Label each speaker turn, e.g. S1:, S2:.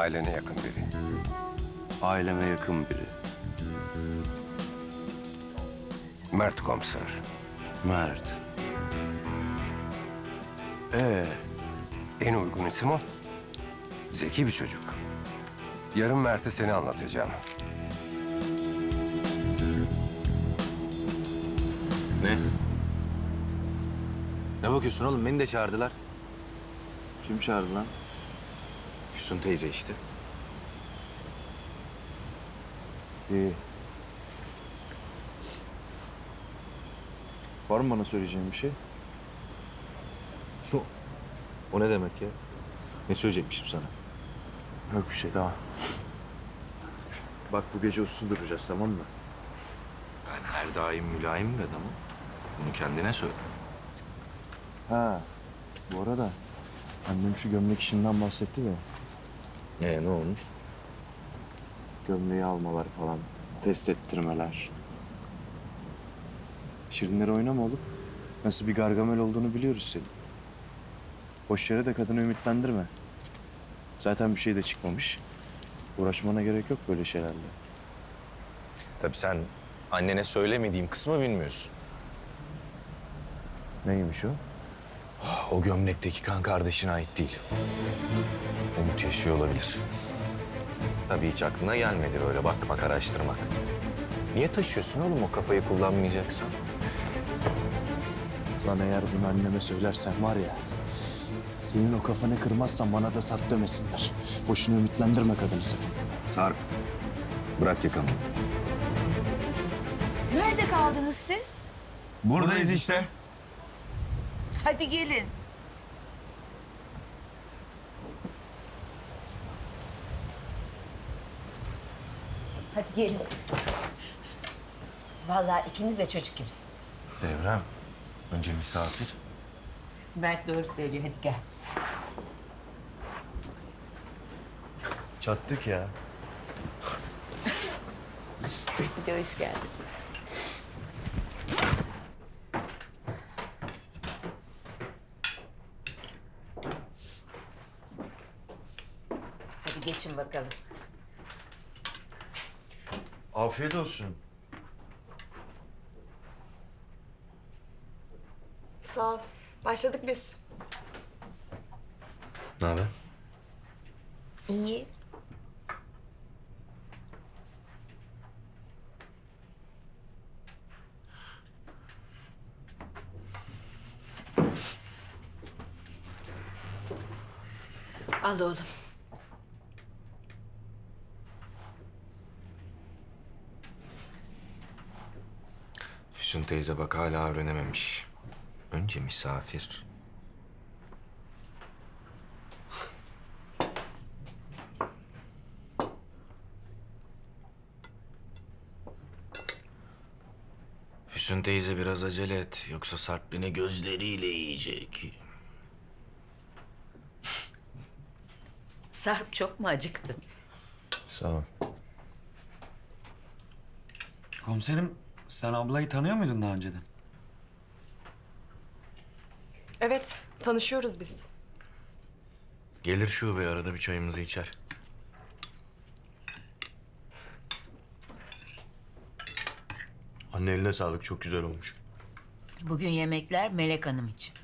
S1: Ailene yakın biri.
S2: Aileme yakın biri.
S1: Mert komiser.
S2: Mert.
S1: En uygun isim o. Zeki bir çocuk. Yarın Mert'e seni anlatacağım.
S3: Ne? Ne bakıyorsun oğlum? Beni de çağırdılar.
S2: Kim çağırdı lan?
S3: Füsun teyze işte.
S2: İyi. Var mı bana söyleyeceğin bir şey?
S3: O ne demek ya? Ne söyleyecekmişim sana?
S2: Yok bir şey, tamam. Bak bu gece uslu duracağız, tamam mı?
S3: Ben her daim mülayim bir adamım. Bunu kendine söyle.
S2: Ha, bu arada annem şu gömlek işinden bahsetti de.
S3: Ne olmuş?
S2: Gömleği almalar falan, test ettirmeler. Şirinleri oynama oğlum. Nasıl bir Gargamel olduğunu biliyoruz senin. Boş yere de kadını ümitlendirme. Zaten bir şey de çıkmamış. Uğraşmana gerek yok böyle şeylerle.
S3: Tabii sen annene söylemediğim kısmı bilmiyorsun.
S2: Neymiş o?
S3: O gömlekteki kan kardeşine ait değil. Umut yaşıyor olabilir. Tabii hiç aklına gelmedi böyle bakmak, araştırmak. Niye taşıyorsun oğlum o kafayı kullanmayacaksan?
S2: Lan eğer bunu anneme söylersen var ya... senin o kafanı kırmazsan bana da Sarp demesinler. Boşuna ümitlendirme kadını sakın.
S3: Sarp, bırak yakamı.
S4: Nerede kaldınız siz?
S3: Buradayız işte.
S4: Hadi gelin. Hadi gelin. Vallahi ikiniz de çocuk gibisiniz.
S3: Devrem, önce misafir.
S4: Mert doğru söylüyor. Hadi gel.
S2: Çattık ya.
S4: Hadi hoş geldin. Hadi geçin bakalım.
S2: Afiyet olsun.
S5: Sağ ol. Başladık biz.
S3: Ne haber?
S4: İyi. Al oğlum.
S3: Füsun teyze bak hala öğrenememiş. Önce misafir. Füsun teyze biraz acele et. Yoksa Sarp beni gözleriyle yiyecek.
S4: Sarp çok mu acıktın?
S2: Sağ ol.
S6: Komiserim, sen ablayı tanıyor muydun daha önceden?
S5: Evet, tanışıyoruz biz.
S3: Gelir şube arada bir çayımızı içer.
S2: Anne eline sağlık, çok güzel olmuş.
S4: Bugün yemekler Melek Hanım için.